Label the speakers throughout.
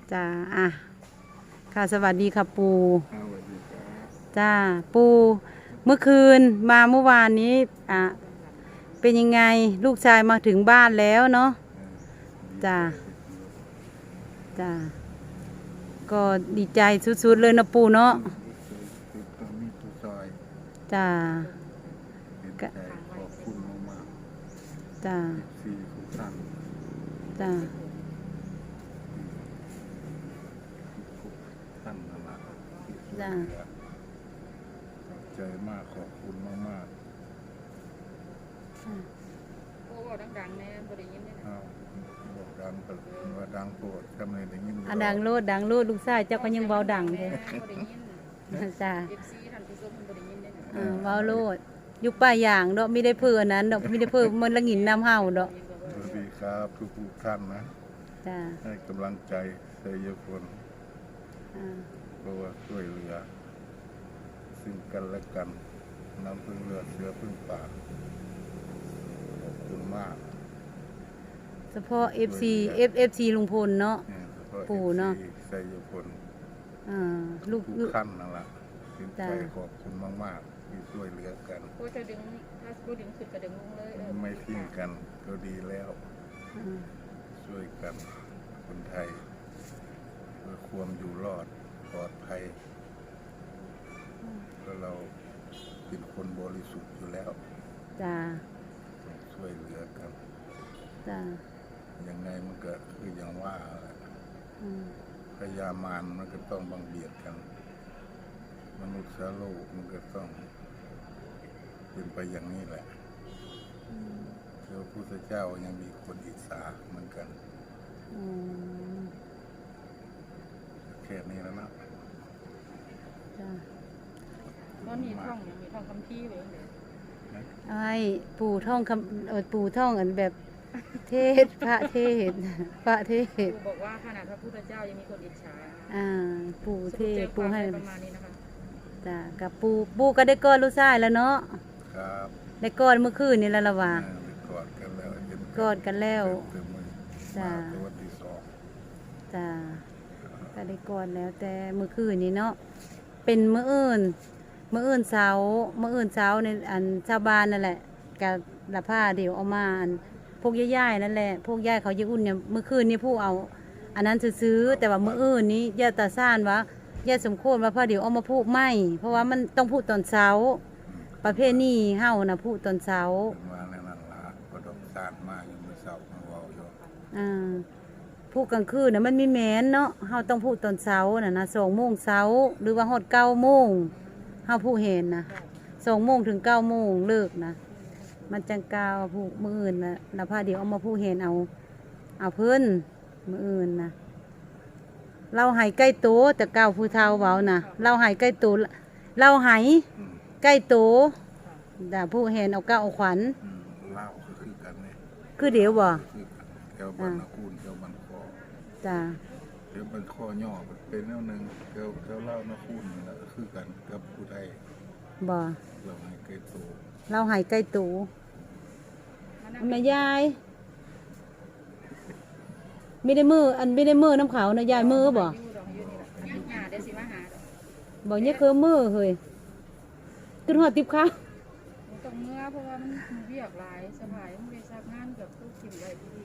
Speaker 1: จ้าอ่ะค่ะสวัสดีค่ะปู
Speaker 2: สวัสดีครับ
Speaker 1: จ้าปูเมื่อคืนมาเมื่อวานนี้เป็นยังไงลูกชายมาถึงบ้านแล้วเนาะจ้าจ้าก็ดีใจสุดๆเลยนะปูเนาะ
Speaker 2: คือตรงนี้ตัวซอย
Speaker 1: จ้า
Speaker 2: เห็นใจขอบคุณมาก
Speaker 1: จ้า
Speaker 2: ๆสี่ทุกท่าน
Speaker 1: จ้า
Speaker 2: ทุกท่านนั่นแหละที่ช่วย
Speaker 1: จ้า
Speaker 2: เหลือใจมากขอบคุณมาก
Speaker 3: โอ้บอกดังๆแน่บ่ได้ยินแน่
Speaker 2: ๆอ้าวบอกดังก็ว่าดังโปรดจำเลยได้ยิน
Speaker 1: ดังโลดลูกชายเจ้าก็ยังเบาดังเลย
Speaker 3: บ่ได้ยิน
Speaker 1: จ้า
Speaker 3: FC ท่านผู้ชมเพิ่นบ่ได้ยินแน่นะ
Speaker 1: เบาโลดอยู่ป่าอย่างดอกไม่ได้เพื่อนั้นดอกไม่ได้เพื่อมันละหงินน้ำเห่าดอก
Speaker 2: สวัสดีครับทุกท่านนะ
Speaker 1: จ้า
Speaker 2: ให้กำลังใจเสยคน
Speaker 1: อ่า
Speaker 2: เพราะว่าช่วยเหลือซึ่งกันและกันน้ำพึ่งเรือเสือพึ่งป่าขอบคุณมาก
Speaker 1: เฉพาะ FC ลุงพลเนาะ
Speaker 2: เนี่ยเฉพาะ
Speaker 1: ปู่เนาะ
Speaker 2: ใสยพล
Speaker 1: ลูก
Speaker 2: ทุกขั้นนั่นแหละถึงใจ
Speaker 1: จ้ะ
Speaker 2: ขอบคุณมากๆที่ช่วยเหลือกัน
Speaker 3: โอ้จะดึงถ้าบ่ดึงขึ้นก็ดึงลงเลย
Speaker 2: ไม่ทิ้งกันก็ดีแล้ว
Speaker 1: อ่า
Speaker 2: ช่วยกันคนไทยเพื่อความอยู่รอดปลอดภัยก็เราเป็นคนบริสุทธิ์อยู่แล้ว
Speaker 1: จ้า
Speaker 2: ต้องช่วยเหลือกัน
Speaker 1: จ้า
Speaker 2: ยังไงมันก็คืออย่างว่าแหละ
Speaker 1: อืม
Speaker 2: พยามารมันก็ต้องบังเบียดกัน มนุษย์โลกมันก็ต้องเป็นไปอย่างนี้แหละพระพุทธเจ้ายังมีคนอิจฉาเหมือนกัน
Speaker 1: อืม
Speaker 2: แค่นี้แล้วนะ
Speaker 1: จ้า
Speaker 3: ตอนนี้ท่องยังมีท่องคัมภีร์เลย
Speaker 1: ไอ้ปู่ท่องปู่ท่องอันแบบเทศพระเทศพระเทศ
Speaker 3: ครูบอกว่าขนาดพระพุทธเจ้ายังมีคนอิจฉา
Speaker 1: ปู่เทศ
Speaker 3: สรุ
Speaker 1: ปู่
Speaker 3: ปใจ
Speaker 1: ให้
Speaker 3: ความประมาณนี้นะคะ
Speaker 1: จ้ากับปู่ก็ได้กอดลูกชายแล้วเนาะ
Speaker 2: ครับ
Speaker 1: ได้กอดเมื่อคืนนี่แล้วละว่า
Speaker 2: ไปกอดกันแล้วเห็น
Speaker 1: กอดกันแล้ว
Speaker 2: เต็มมือ
Speaker 1: จ้ะ
Speaker 2: มาตัวที่สอง
Speaker 1: จ้าก็ได้กอดแล้วแต่เมื่อคืนนี้เนาะเป็นมื้ออื่นเช้าในอันชาวบ้านนั่นแหละกับละผ้าเดี๋ยวเอามาอันพวกย่ายๆนั่นแหละพวกย่ายเขาจะอุ่นเนี่ยเมื่อคืนนี้ผู้เอา อันนั้นซื้อๆแต่ว่ามื้ออื่นนี้ย่าตาซ่านว่าย่าสมควรว่าพระเดี๋ยวเอามาพูกไม่เพราะว่ามันต้องพูดตอนเช้า ประเภทนี้เฮานะพูดตอนเช้า
Speaker 2: เป็นว่าในนั้นละก็ต้องสร้างมาอยู่เมื่อเสาร์มาเว่าอยู่
Speaker 1: พูดกลางคืนนะมันมีแม้นเนาะเฮาต้องพูดตอนเช้าน่ะนะ2 โมงเช้าหรือว่าฮอด9 โมงเฮาผู้เห็นนะ2 โมงถึง9 โมงเลิกนะมันจังกาวผู้มื้ออื่นนะแล้วพาเดี๋ยวเอามาผู้เห็นเอาเพิ่นมื้ออื่นนะเราใหายใกล้โตแต่เก่าผู้เฒ่าเว้านะเราใหายใกล้โตเราใหาย
Speaker 2: อืม
Speaker 1: ใกล้โตแต่ผู้เห็นเอาเก้าเอาขวัญ
Speaker 2: เล่าก็คือกันเนี่ย
Speaker 1: คือเดี๋ยวบ่
Speaker 2: คือกันแถวบันนาคูนแถวบันคอ
Speaker 1: จ้า
Speaker 2: แถวบันคอย่อเป็นแนวหนึ่งแถวเล่านาคูนนี่แหละก็คือกันกับผู้ใด
Speaker 1: บ่
Speaker 2: เราให้เกโต
Speaker 1: เราใหายใกล้โตแม่ยายไม่ได้มือน้ำเขาวนะยายมือบ่
Speaker 3: อยู่ดอกอยู่นี่ล่ะหาได้สิมาหาดอก
Speaker 1: บ่เนี่ยคือมือเฮ้ยขึ้นหัวติบข้าว
Speaker 3: มันต้องเมื่อเพราะว่ามันเวียกหลายสบายมันไปซักงานกับผู้กินไว้ที่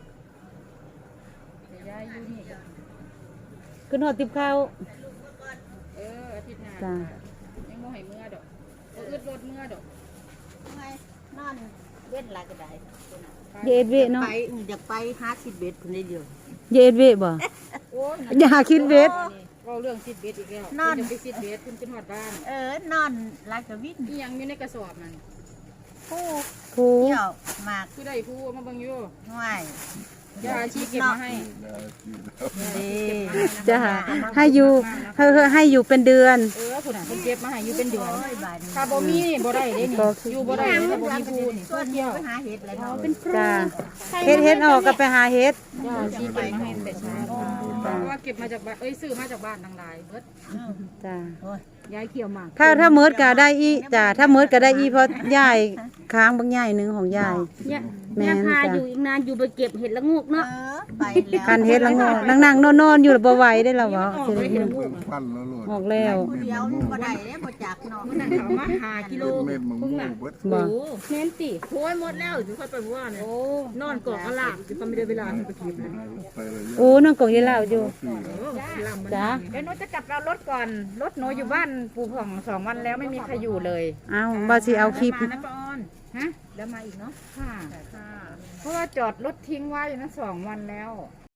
Speaker 3: แต่ยายอยู่นี่ก็
Speaker 1: ขึ้นหัวติบข้าว
Speaker 3: อาทิตย์หน้า
Speaker 1: จ้ะ
Speaker 3: ยังบ่ให้เมื่อดอกบ่อึดรถเมื่อดอก
Speaker 4: ไงนอนเว้นหลายก็ได้
Speaker 1: เย็ดเวะเนาะ
Speaker 4: ไปอยากไป50 เบ็ดคนเดียว
Speaker 1: เย็ดเวะบ่
Speaker 3: โอ้ย
Speaker 1: อย่าคิดเวท
Speaker 3: เว้าเรื่องซิดเบ็ดอีกแล้ว
Speaker 4: นั่น
Speaker 3: คุณจะไปซิดเบ็ดคุณจะฮอดบ้าน
Speaker 4: นอนหลายก็วิน
Speaker 3: อีหยังอยู่ในกระสอบนั่น
Speaker 4: ผู้
Speaker 1: ครู
Speaker 4: เที่ยวมาก
Speaker 3: คือได้ผู้เอามาเบิ่งอยู่
Speaker 4: ง่าย
Speaker 3: ยาอาชีเก็บมาให้
Speaker 2: ได้ที่แล้ว
Speaker 4: ดี
Speaker 1: จะให้อยู่เป็นเดือน
Speaker 3: พุ่นน่ะเพิ่นเก็บมาให้อยู่เป็นเดือน
Speaker 4: โอ้ยบาด
Speaker 3: ถ้าบ่มีบ่ได้เด้นี่อยู่บ่ได้ถ้าบ่มีผู้นี่
Speaker 4: ส่วน
Speaker 3: เที่
Speaker 4: เดี
Speaker 3: ย
Speaker 4: ยว วไปหาเห็ดเลยเนาะเป็น
Speaker 1: จ้าเฮ็ดออกก็ไปหาเฮ็ด
Speaker 3: ยาอาชีเก็บมาให้แต่เช้าเพราะว่าเก็บมาจากบ้านซื้อมาจากบ้านทั้งหลายเบิด
Speaker 1: จ้า
Speaker 4: โอ้ย
Speaker 3: ยายเขียวหมาก
Speaker 1: ถ้าเมิดก็ได้อีจ้ะถ้าเมิดก็ได้อีเพราะยายค้างบางยายหนึงของยาย
Speaker 5: เนี่ย
Speaker 1: แม่น
Speaker 5: พา
Speaker 1: จ้ะ
Speaker 5: อยู่อีกนานอยู่ไปเก็บเห็ดละงูกเนาะ
Speaker 4: ไปแล้ว
Speaker 1: คันเฮ็ดละงอนั่งๆนอนๆอยู่แล้วบ่ไหวได้แล้วบ่สิ
Speaker 2: เบิ่งฟันแล้วโลด
Speaker 1: ออกแล้ว
Speaker 4: ผู้เดียวนี่บ่ได้เด้บ่จักเนาะ
Speaker 3: มันน่ะเขามาหากิโล
Speaker 2: เม็ดมังม่วงเบิด
Speaker 1: บ่
Speaker 5: เน้นติโอ้ยหมดแล้วถึงค่อยไปว่าเนี่ยนอนกอกกระลาบจะไม่ได้เวลาไปกินนะ
Speaker 2: ไปเลย
Speaker 1: โอ้น้องกงยายเหล้าอยู่จ้ะ
Speaker 3: เดี๋ยวหนูจะกลับเอารถก่อนรถหนูอยู่บ้านปู่ผ่อง2 วันแล้วไม่มีใครอยู่เลย
Speaker 1: เอ้าบ่สิเอาคลิป
Speaker 3: มานะป้าออนฮะแล้วมาอีกเนาะค่ะเพราะว่าจอดรถทิ้งไว้นะ2 วันแล้ว
Speaker 1: อ